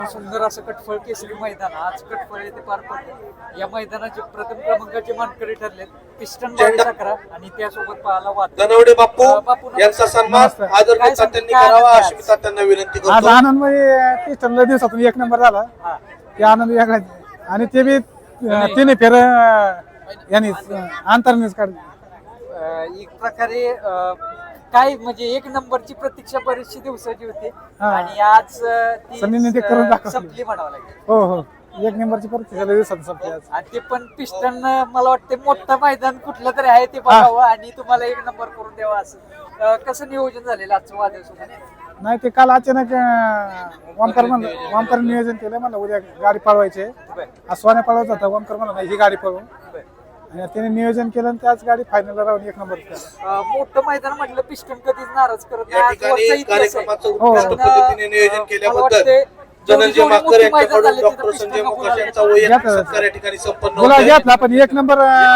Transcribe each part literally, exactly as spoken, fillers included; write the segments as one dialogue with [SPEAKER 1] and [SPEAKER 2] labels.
[SPEAKER 1] सुंदर असं कटफळ केसरी मैदान आज कटफळ येथे पार पडले. या मैदानाचे प्रथम क्रमांकाचे मानकरी ठरले पिस्टन करा आणि त्यासोबत पाहायला वाद
[SPEAKER 2] धनवडे बापू यांचा सन्मान आदरणीय तात्यांनी करावा अशी मी तात्यांना विनंती करतो.
[SPEAKER 3] आज आनंद म्हणजे पिस्टनला दिवसातून एक नंबर झाला ते आनंद वेगळाच आणि ते बी तिने फेर यांनी अंतरनेच काढले.
[SPEAKER 1] एक प्रकारे अं, काय म्हणजे एक नंबरची प्रतीक्षा बरीचशी दिवसाची होती आणि आज ती
[SPEAKER 3] सनीने ते करून दाखवलं.
[SPEAKER 1] संपली म्हणावं लागेल.
[SPEAKER 3] हो हो एक नंबरची परत झाल्या दिवसात संपली आज.
[SPEAKER 1] आणि ते पण पिस्टन मला वाटते मोठं मैदान कुठलं तरी आहे ते बघावं आणि तुम्हाला एक नंबर करून द्यावा असं अं, कसं नियोजन झालेलं आजचं वादळ सोबत?
[SPEAKER 3] नाही ते काल अचानक वामकर म्हणलं वामकर नियोजन केलं म्हणलं उद्या गाडी पळवायची आज सोन्या पळवत होता वामकर म्हणलं नाही ही गाडी पळवू आणि त्याने नियोजन केलं आणि त्याच गाडी फायनलला राहून एक नंबर केला.
[SPEAKER 1] अं, मोठं मैदान म्हटलं पिस्टन कधीच नाराज करत
[SPEAKER 2] या
[SPEAKER 1] नाही.
[SPEAKER 2] ठिकाणी
[SPEAKER 1] आजवरचा इतिहास आहे.
[SPEAKER 2] कार्यक्रमाचं
[SPEAKER 3] हो.
[SPEAKER 2] उत्कृष्ट पद्धतीने नियोजन
[SPEAKER 1] मला
[SPEAKER 2] केल्याबद्दल
[SPEAKER 1] वाटते
[SPEAKER 2] धनंजय
[SPEAKER 1] जेवढी
[SPEAKER 2] माकर
[SPEAKER 1] मोठी मैदान
[SPEAKER 2] यांच्याकडून
[SPEAKER 1] झाली
[SPEAKER 2] डॉक्टर
[SPEAKER 1] तिथं
[SPEAKER 2] संजय
[SPEAKER 1] पिस्टन
[SPEAKER 2] मोकाश
[SPEAKER 1] गुलाल
[SPEAKER 2] यांचा
[SPEAKER 1] घेतला.
[SPEAKER 2] वैयक्तिक
[SPEAKER 3] घेतला.
[SPEAKER 2] सत्कार या ठिकाणी संपन्न
[SPEAKER 3] बोला
[SPEAKER 2] होतोय.
[SPEAKER 3] घेतला पण एक नंबर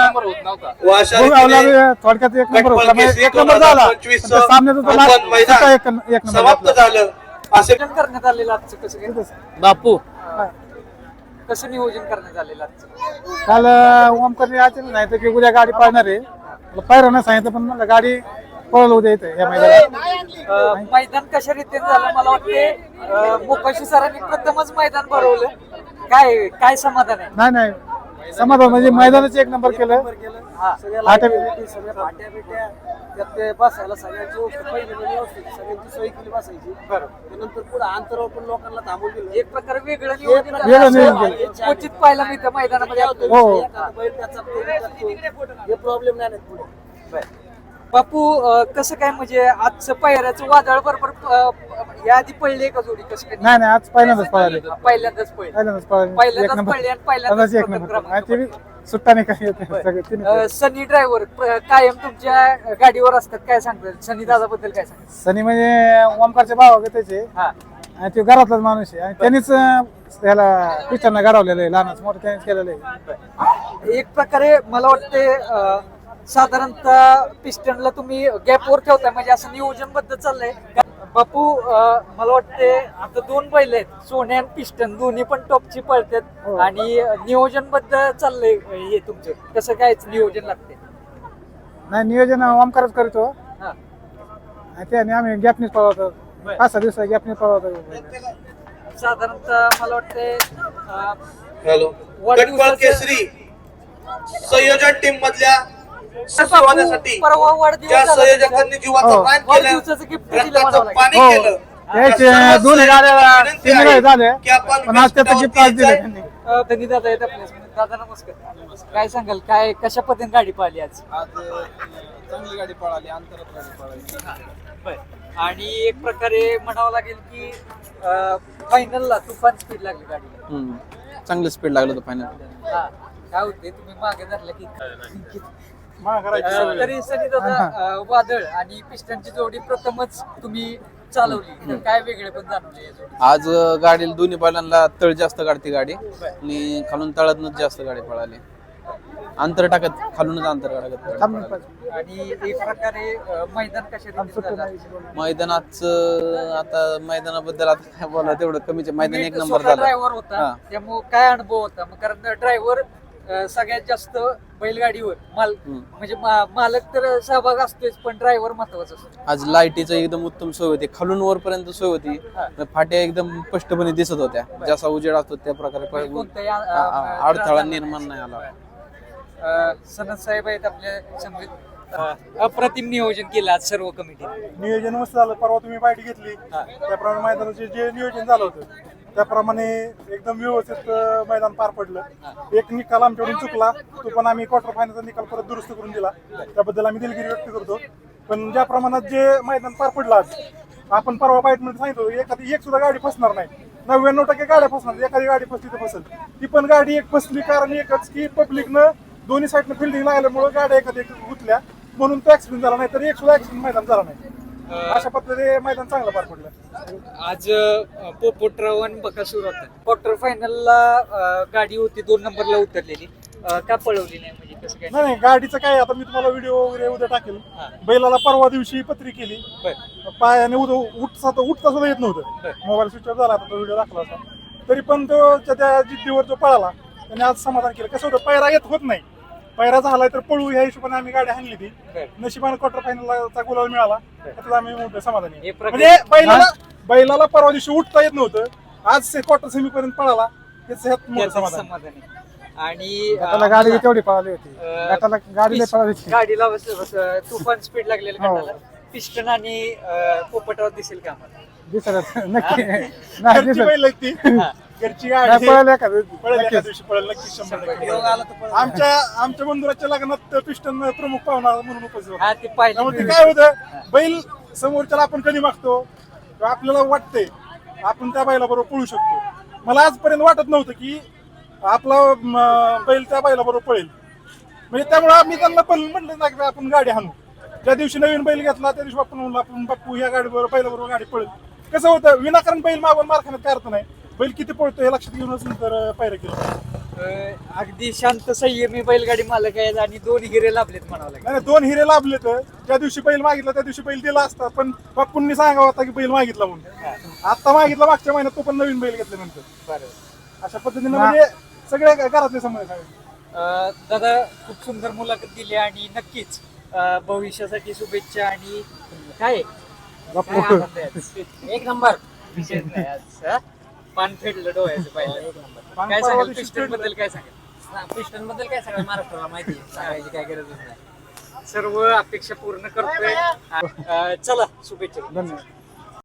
[SPEAKER 2] व अशा
[SPEAKER 3] भोगावला
[SPEAKER 2] रीतीने
[SPEAKER 3] थोडक्यात एक नंबर होता
[SPEAKER 2] कटपळ केसरी
[SPEAKER 3] एक नंबर झाला
[SPEAKER 2] दोन हजार पंचवीस
[SPEAKER 3] पण ते सामन्यात होता
[SPEAKER 2] ओपन
[SPEAKER 3] लास्ट
[SPEAKER 2] मैदान
[SPEAKER 3] सुद्धा एक एक नंबर
[SPEAKER 2] समाप्त
[SPEAKER 3] घेतला.
[SPEAKER 2] झालं असे
[SPEAKER 1] नियोजन करण्यात आलेलं आजचं कसं काय?
[SPEAKER 4] बापू
[SPEAKER 3] हा.
[SPEAKER 1] कसं नियोजन करण्यात आलेलं आजचं?
[SPEAKER 3] काल ओमकरने अचानक सांगितलं की उद्या गाडी पळणार आहे पायरा नाही सांगितलं पण म्हणलं गाडी पळवलं उद्या इथं या मैदानात.
[SPEAKER 1] अं, मैदान कशा रीतीने झालं मला वाटते अं, मोकाशी सरांनी प्रथमच मैदान भरवलं. काय काय समाधान आहे?
[SPEAKER 3] नाही नाही समाधान म्हणजे मैदानाचं एक नंबर केलं
[SPEAKER 1] हा.
[SPEAKER 3] आठ
[SPEAKER 5] सगळ्या फाट्या बिट्या त्यात ते बसायला सगळ्यांची व्यवस्थित पहिली म्हणजे व्यवस्थित सगळ्यांची सोय केली बसायची.
[SPEAKER 1] बरं.
[SPEAKER 5] त्यानंतर पुढे अंतरावर पण लोकांना थांबून दिलं.
[SPEAKER 1] एक प्रकारे वेगळं नियोजन झालं.
[SPEAKER 3] वेगळं नियोजन
[SPEAKER 1] असं
[SPEAKER 3] केलं.
[SPEAKER 1] क्वचित पाहायला मिळतं मैदानामध्ये आपल्याला.
[SPEAKER 3] हो.
[SPEAKER 5] एखादा बैल त्याचा तो त्याचा तो. हे प्रॉब्लेम नाही आहेत पुढे.
[SPEAKER 1] बरं. बापू अं, कसं काय म्हणजे आजचं पायऱ्याचं वादळ बरोबर अं, या आधी पडले का जोडी कसं काय?
[SPEAKER 3] नाही नाही आज पहिल्यांदाच पळाले
[SPEAKER 1] पहिल्यांदाच पडले.
[SPEAKER 3] पहिल्यांदाच पळाले एक
[SPEAKER 1] पहिल्यांदाच
[SPEAKER 3] नंबर
[SPEAKER 1] पडले आणि पहिल्यांदाच
[SPEAKER 3] पहिल्यांदाच एक
[SPEAKER 1] प्रथम
[SPEAKER 3] नंबर
[SPEAKER 1] क्रमांक
[SPEAKER 3] आणि ते बी सुट्टा नाही काही येत नाही. सगळे तिन्ही
[SPEAKER 1] अं, सनी ड्रायव्हर कायम तुमच्या गाडीवर असतात काय सांगतात सनी दादा बद्दल काय सांगतात?
[SPEAKER 3] सनी म्हणजे ओमकारचे भाव होते त्याचे
[SPEAKER 1] हा
[SPEAKER 3] आणि तो घरातलाच माणूस आहे आणि त्यांनीच अं, त्याला पिक्चरना घडवलेलं आहे लहानच मोठं त्यांनीच केलेलं आहे.
[SPEAKER 1] एक प्रकारे मला वाटते अं, साधारणतः पिस्टनला तुम्ही गॅपवर ठेवताय म्हणजे असं नियोजन बद्दल चाललंय बापू. अं, मला वाटते आता दोन बैल आहेत सोन्या आणि पिस्टन दोन्ही पण टॉपची पळतात
[SPEAKER 3] हो.
[SPEAKER 1] आणि नियोजन बद्दल चाललंय हे तुमचं कसं काय नियोजन लागते?
[SPEAKER 3] नाही नियोजन ओमकारच करतो
[SPEAKER 1] हा.
[SPEAKER 3] आणि ते आणि आम्ही गॅपनीच पळवतो पाच सहा दिवस गॅपनीच पळवतो.
[SPEAKER 1] साधारणतः मला वाटते अं,
[SPEAKER 2] हॅलो
[SPEAKER 1] वाढदिवसाचं-
[SPEAKER 2] कटपळ केसरी संयोजन टीम मधल्या सहभागासाठी
[SPEAKER 1] परवा वाढदिवस
[SPEAKER 2] ज्या
[SPEAKER 1] झाला
[SPEAKER 2] संयोजकांनी
[SPEAKER 1] तुमचा.
[SPEAKER 2] जीवाचं
[SPEAKER 3] हो.
[SPEAKER 2] प्राण केलं
[SPEAKER 1] वाढदिवसाचं गिफ्ट दिलं
[SPEAKER 2] रक्ताचं
[SPEAKER 1] म्हणावं लागेल.
[SPEAKER 2] पाणी
[SPEAKER 3] हो.
[SPEAKER 2] केलं
[SPEAKER 3] त्याचे
[SPEAKER 2] सर्व
[SPEAKER 3] दोन्ही गाड्या
[SPEAKER 2] विनंती
[SPEAKER 3] तीन
[SPEAKER 2] आहे
[SPEAKER 3] वेळ झाले
[SPEAKER 2] की आपण
[SPEAKER 3] पण आज त्याचं गिफ्ट आज दिलं त्यांनी.
[SPEAKER 1] अं, धनी दादा आहेत आपल्या समोर. दादा नमस्कार. काय सांगाल काय कशा पद्धतीने गाडी पाहिली आज?
[SPEAKER 6] आज चांगली गाडी पळाली अंतरात गाडी पळाली.
[SPEAKER 1] आणि एक प्रकारे म्हणावं लागेल की फायनलला तुफान स्पीड लागली गाडीला.
[SPEAKER 6] हम्म. चांगलं स्पीड लागलं होतं फायनल.
[SPEAKER 1] हा. काय होते तुम्ही मागे धरलं की की-
[SPEAKER 3] मा करायची
[SPEAKER 1] अं,
[SPEAKER 3] सवय.
[SPEAKER 1] तरी सनी दादा अं, वादळ आणि पिस्टनची जोडी प्रथमच तुम्ही चालवली तर काय वेगळे पण जाणवले या जोडीत?
[SPEAKER 6] आज अं, गाडीला दोन्ही बैलांना तळ जास्त काढते गाडी आणि खालून तळातनच जास्त गाडी पळाली. अंतर टाकत खालूनच अंतर टाकत पळाली.
[SPEAKER 3] थांब ना पाच.
[SPEAKER 1] आणि एक प्रकारे अं, मैदान कशा रीतीने झालं?
[SPEAKER 6] मैदानाचं आता मैदानाबद्दल आता काय बोला तेवढं कमीच आहे. मैदान एक नंबर झालं.
[SPEAKER 1] ड्रायव्हर होता
[SPEAKER 6] हा.
[SPEAKER 1] त्यामुळे काय अनुभव होता मग कारण ड्रायव्हर सगळ्यात जास्त बैलगाडीवर माल
[SPEAKER 6] हम्म.
[SPEAKER 1] म्हणजे मा- मालक तर सहभाग असतोच पण ड्रायव्हर महत्वाचा असतो.
[SPEAKER 6] आज लाईटीचं एकदम उत्तम सोय होती खालून वरपर्यंत सोय होती. फाट्या एकदम स्पष्टपणे दिसत होत्या जसा उजेड असतो त्या प्रकारे प-
[SPEAKER 1] कोणत्याही
[SPEAKER 6] आ- आ- अडथळा निर्माण नाही आला.
[SPEAKER 1] सनद साहेब आहेत आपल्या समवेत. अं, अप्रतिम नियोजन केलं आज सर्व कमिटी.
[SPEAKER 3] नियोजन मस्त झालं परवा तुम्ही बाईट घेतली त्याप्रमाणे मैदानाचे जे नियोजन झालं होतं त्याप्रमाणे एकदम व्यवस्थित अं, मैदान पार पडलं. एक निकाल आमच्याकडून चुकला तो पण आम्ही क्वार्टर फायनलचा निकाल परत दुरुस्त करून दिला त्याबद्दल आम्ही दिलगिरी व्यक्त करतो. पण ज्या प्रमाणात जे मैदान पार पडलं आज आपण परवा बाईट मध्ये सांगितलं एखादी एक सुद्धा गाडी फसणार नाही. नव्याण्णव टक्के गाड्या फसणार एखादी गाडी फसली तर फसल ती पण गाडी एक फसली कारण एकच की पब्लिकनं दोन्ही साईडनं फिल्डिंग लागल्यामुळे गाड्या एखादी एक गुतल्या म्हणून तो ऍक्सिडेंट झाला नाही तर एक सुद्धा ऍक्सिडेंट मैदान झाला नाही. अशा पद्धतीने मैदान चांगलं पार पडलं.
[SPEAKER 1] आज पोपोट्राव आणि बकासूर होता क्वार्टर फायनलला गाडी होती दोन नंबरला उतरलेली अं, का पळवली नाही म्हणजे कसं काय?
[SPEAKER 3] नाही नाही गाडीचं काय आता मी तुम्हाला व्हिडिओ वगैरे उद्या टाकेल. बैलाला परवा दिवशी पत्री केली पायाने उद उठता उठता सुद्धा येत नव्हतं. मोबाईल स्विच ऑफ झाला आता तो व्हिडिओ दाखला होता तरी पण तो त्या- त्या जिद्दीवर जो पळाला त्याने आज समाधान केलं. कसं होतं पैरा येत होत नाही, पैरा झालाय तर पळू ह्या हिशोबाने आम्ही गाडी हाणली ती. नशिबाने क्वार्टर फायनलचा गुलाल मिळाला, त्यात आम्ही मोठं समाधानी.
[SPEAKER 1] हे प्रगती-
[SPEAKER 3] म्हणजे बैलाला बैलाला परवा दिवशी उठता येत नव्हतं, आज क्वार्टर सेमी पर्यंत पळाला, त्याचं ह्यात मोठं
[SPEAKER 1] त्याचं
[SPEAKER 3] समाधान.
[SPEAKER 1] समाधान आहे. आणि
[SPEAKER 5] गटाला
[SPEAKER 1] अं,
[SPEAKER 5] गाडी तेवढी पळाली होती,
[SPEAKER 1] अं,
[SPEAKER 5] गटाला गाडी लय पळाली होती.
[SPEAKER 1] गाडीला बस- बस- तुफान स्पीड लागलेलं
[SPEAKER 5] हो.
[SPEAKER 1] गटाला. पिस्टन आणि अं, पोपटावर दिसेल का आम्हाला?
[SPEAKER 5] दिसत नक्की नाही
[SPEAKER 3] घरची
[SPEAKER 5] दिसत
[SPEAKER 3] बैल आहेत ती, घरची
[SPEAKER 5] नाही,
[SPEAKER 3] गाडी
[SPEAKER 5] पळाली एखादं.
[SPEAKER 3] पळेल एका
[SPEAKER 5] नक्कीच.
[SPEAKER 3] दिवशी पळेल नक्की शंभर टक्के.
[SPEAKER 5] योग आला तर पळेल.
[SPEAKER 3] आमच्या आमच्या बंधुराच्या लग्नात पिस्टन प्रमुख पाहुणा म्हणून उपस्थित होता.
[SPEAKER 1] हा ते पाहिजे
[SPEAKER 3] त्यामुळे ते काय होतं, बैल समोरच्याला आपण कधी मागतो किंवा आपल्याला वाटतंय आपण त्या बैलाबरोबर पळू शकतो. मला आजपर्यंत वाटत नव्हतं की आपला म, बैल त्या बैलाबरोबर पळेल. म्हणजे त्यामुळे आम्ही त्यांना पण म्हटलं ना की आपण गाडी हाणू. ज्या दिवशी नवीन बैल घेतला त्या दिवशी आपण म्हणलं आपण बाप्पू ह्या गाडीबरोबर बैलाबरोबर गाडी पळेल. कसं होतं, विनाकारण बैल मागून मार खाण्यात काय अर्थ नाही. बैल किती पळतो हे लक्षात घेऊनच नंतर पायऱ्या केलं.
[SPEAKER 1] अं, अगदी शांत संयमी बैलगाडी मालक आहेत आणि दोन हिरे लाभलेत म्हणावं लागेल.
[SPEAKER 3] नाही दोन हिरे लाभले तर ज्या दिवशी बैल मागितला त्या दिवशी बैल दिला असता, पण बाप्पूंनी सांगावं होता की बैल मागितला म्हणून. आता मागितला मागच्या महिन्यात, तो पण नवीन बैल घेतल्यानंतर.
[SPEAKER 1] बरं.
[SPEAKER 3] अशा पद्धतीने म्हणजे सगळे घरातले समज आहे.
[SPEAKER 1] अं, दादा खूप सुंदर मुलाखत दिली आणि नक्कीच अं, भविष्यासाठी शुभेच्छा. आणि काय काय आनंद आहे आज. एक नंबर विशेष नाही आज, हा? पान फेडलं डोळ्याचं पाहिलं.
[SPEAKER 3] पान
[SPEAKER 1] काय
[SPEAKER 3] परवा
[SPEAKER 1] सांगाल
[SPEAKER 3] दिवशी
[SPEAKER 1] पिस्टन बद्दल? काय सांगाल पिस्टन बद्दल? काय सांगाल महाराष्ट्राला माहिती आहे, सांगायची काय गरजच नाही. सर्व अपेक्षा पूर्ण करतोय. अं, चला शुभेच्छा.
[SPEAKER 5] धन्यवाद.